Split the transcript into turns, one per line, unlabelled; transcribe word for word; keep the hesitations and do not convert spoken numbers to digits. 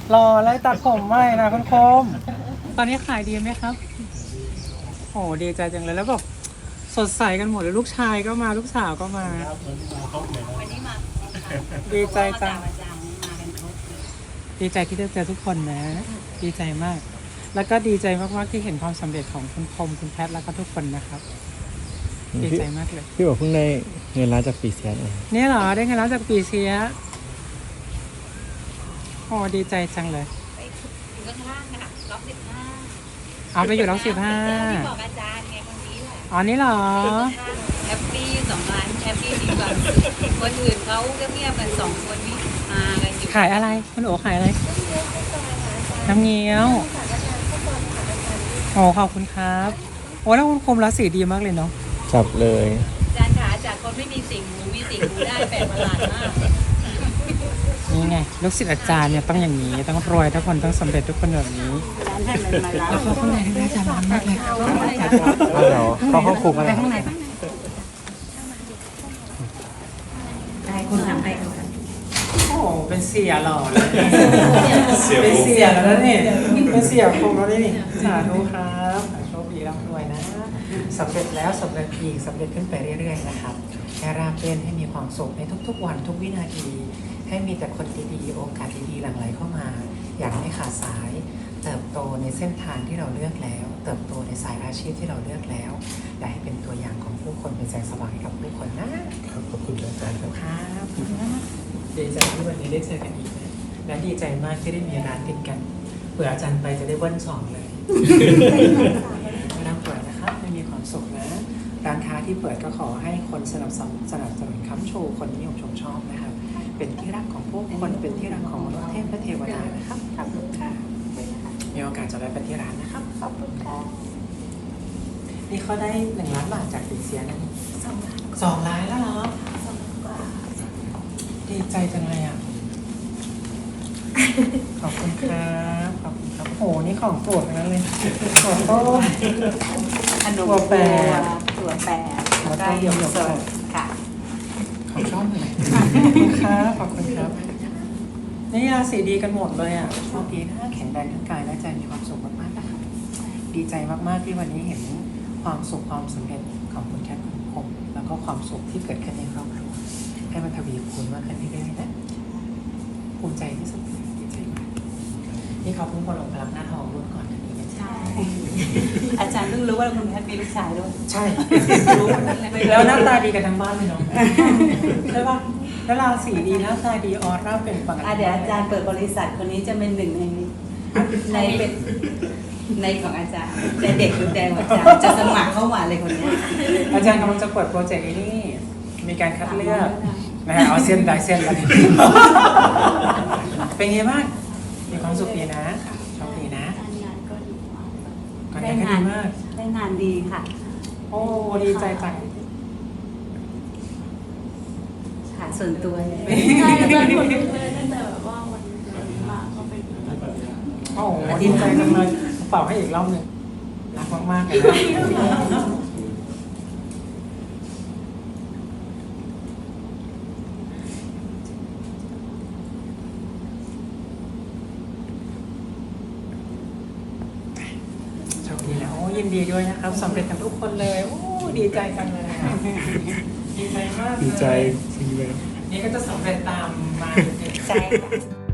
รอเลยตัดผมใหม่นะคุณคมตอนนี้ขายดีไหมครับโอ้ดีใจจังเลยแล้วแบบสดใสกันหมดเลยลูกชายก็มาลูกสาวก็มา
วันนี้มา
ดีใจจัง
ประจำมากันครบ
ดีใจที่ได้เจอทุกคนนะ ดีใจมาก แล้วก็ดีใจมากๆที่เห็นความสำเร็จของคุณคมคุณแพทแล้วก็ทุกคนนะครับ ดีใจมากเลย
พี่บอกเพิ่งได้เงินล้านจากปีเสียเอง
เนี่ยเหรอได้เงินแล้วจากปีเสียโอ้ดีใจจังเลย
ไปอยู่ข้างล่างค่ะล็อกสิบห้า
เอาไปอยู่ร้อยสิบห้า
ที่บอกอาจารย์ไงคนนี้แหละ
อ๋อนี่เหรอ
แฮปปี้สองล้านแฮปปี้ดีกว่าคนอื่นเขาเงียบๆกันสองคนนี้มากันอยู่
ขายอะไรคุณโอขายอะไร น้ำเงี้ยวโอ้ขอบคุณครับโอ้แล้วคุณคมรักสีดีมากเลยเนาะ
จับเลย
อาจารย์ขาจากคนไม่มีสิ่งหูมีสิ่งหูได้แปลกประหลาดมาก
นี่ไงลูกศิษย์อาจารย์เนี่ยต้องอย่างนี้ต้องรวยทุกคนต้องสำเร็จทุกคนแบบนี้
ร้านให้มันมาแล้ว
แล้วเข้าข้างในได้อาจารย์ร้อนมากเลย
เอาเดี๋ยวเข้าห้องคุกอะไร
ข้างใน
ได้คุณทำให้เขา
โอ้เป็นเสียหล่อเลยเป็นเสียแล้วนะนี่เป็นเสียคมแล้วนี่สาธุครับโชคดีร่ำรวยนะสำเร็จแล้วสำเร็จอีกสำเร็จขึ้นไปเรื่อยๆนะครับให้ราบรื่นให้มีความสุขในทุกๆวันทุกวินาที ให้มีแต่คนดีๆโอกาสดีๆหลั่งไหลเข้ามา อย่างไม่ขาดสาย เติบโตในเส้นทางที่เราเลือกแล้ว เติบโตในสายอาชีพที่เราเลือกแล้วและให้เป็นตัวอย่างของผู้คนเป็นแสงสว่างให้กับผู้คนนะครับ
ขอบคุณอาจารย์ครับ
ครับดีใจที่วันนี้ได้เจอกันอีกนะและดีใจมากที่ได้มีร้านติดกันเผื่ออาจารย์ไปจะได้เบิ้ลสองเลยไม่ต้องเปิดนะครับไม่มีความสุขนะร้านค้าที่เปิดก็ขอให้คนสนับสนุนสนับสนุนค้ำชูคนนิยมชมชอบนะครับเป็นที่รักของผู้คนเป็นที่รักของมนุษย์เทพและเทวดานะครับขอบคุณค่ะมีโอกาสจะได้ไปที่ร้านนะครับขอบคุณค่ะนี่เขาได้หนึ่งล้านบาทจากติเซียนะสองล้านสองล้านแล้วเหรอดีใจจังเลยอ่ะ ขอบคุณครับขอบคุณครับโอ้โหนี่ของโปรดทั้งนั้นเลยถั่วต้ม
ขนม
ถั่วแปร
ถั่วแปร
แล้วก็
ได้หยก
หยก
ส
ส
ด
ด
ค่ะ
ของชอบเลยขอบคุณครับขอบคุณครับนี่ราศีดีกันหมดเลยอ่ะโชคดีนะแข็งแรงทั้งกายและใจมีความสุขมากๆนะครับดีใจมากๆที่วันนี้เห็นความสุขความสำเร็จของคุณแคทคุณคมแล้วก็ความสุขที่เกิดขึ้นในครอบครัวให้มันทวีคูณมากขึ้นเรื่อยๆนะภูมิใจที่สุดดีใจมากนี่เขาเพิ่งมาลงพลังหน้าทองรุ่นก่อนอันนี้เป็น
ใช่ อาจารย์เพิ่งรู้ว่าคุณแพทย์มีลูกชายด้วย
ใช่
รู้วันนั้นเลย
แล้วหน้าตาดีกันทั้งบ้านเลยเนาะใช่ปะแล้วราศีดีหน้าตาดีออร่าเป็นปก
อ่ะ
ติ
เดี๋ยวอาจารย์เปิดบริษัทคนนี้จะเป็นหนึ่งในในเป็นในของอาจารย์ในเด็กดูแดงของอาจารย์จะสมัครเข้ามาเลยคนเนี้ย
อาจารย์กำลังจะเปิดโปรเจกต์ไอ้นี่มีการคัดเลือกนะฮะเอาเส้นได้เส้นแล้วเป็นไงบ้างมีความสุขดีนะโชคดีนะ
งานก็ดี
ก็
ได้
ได้
งาน
ดีมาก
ได้งานดีค่ะ
โอ้ดีใจจัง
ค่ะส่วนตัวเนี่ย
ใช่อาจารย์คนรู้เลยตั้งแต่แบบว่าวันมาเขาเป็น
โอ้ดีใจจังเลยเป่าให้อีกรอบหนึ่งรักมากๆเลยนะโชคดีแล้วโอ้ยินดีด้วยนะครับสำเร็จกันทุกคนเลยโอ้ดีใจจังเลยอะดีใจมากเลย
ดีใจจริงเลย
นี่ก็จะสำเร็จตามมา
ใช่ค่ะ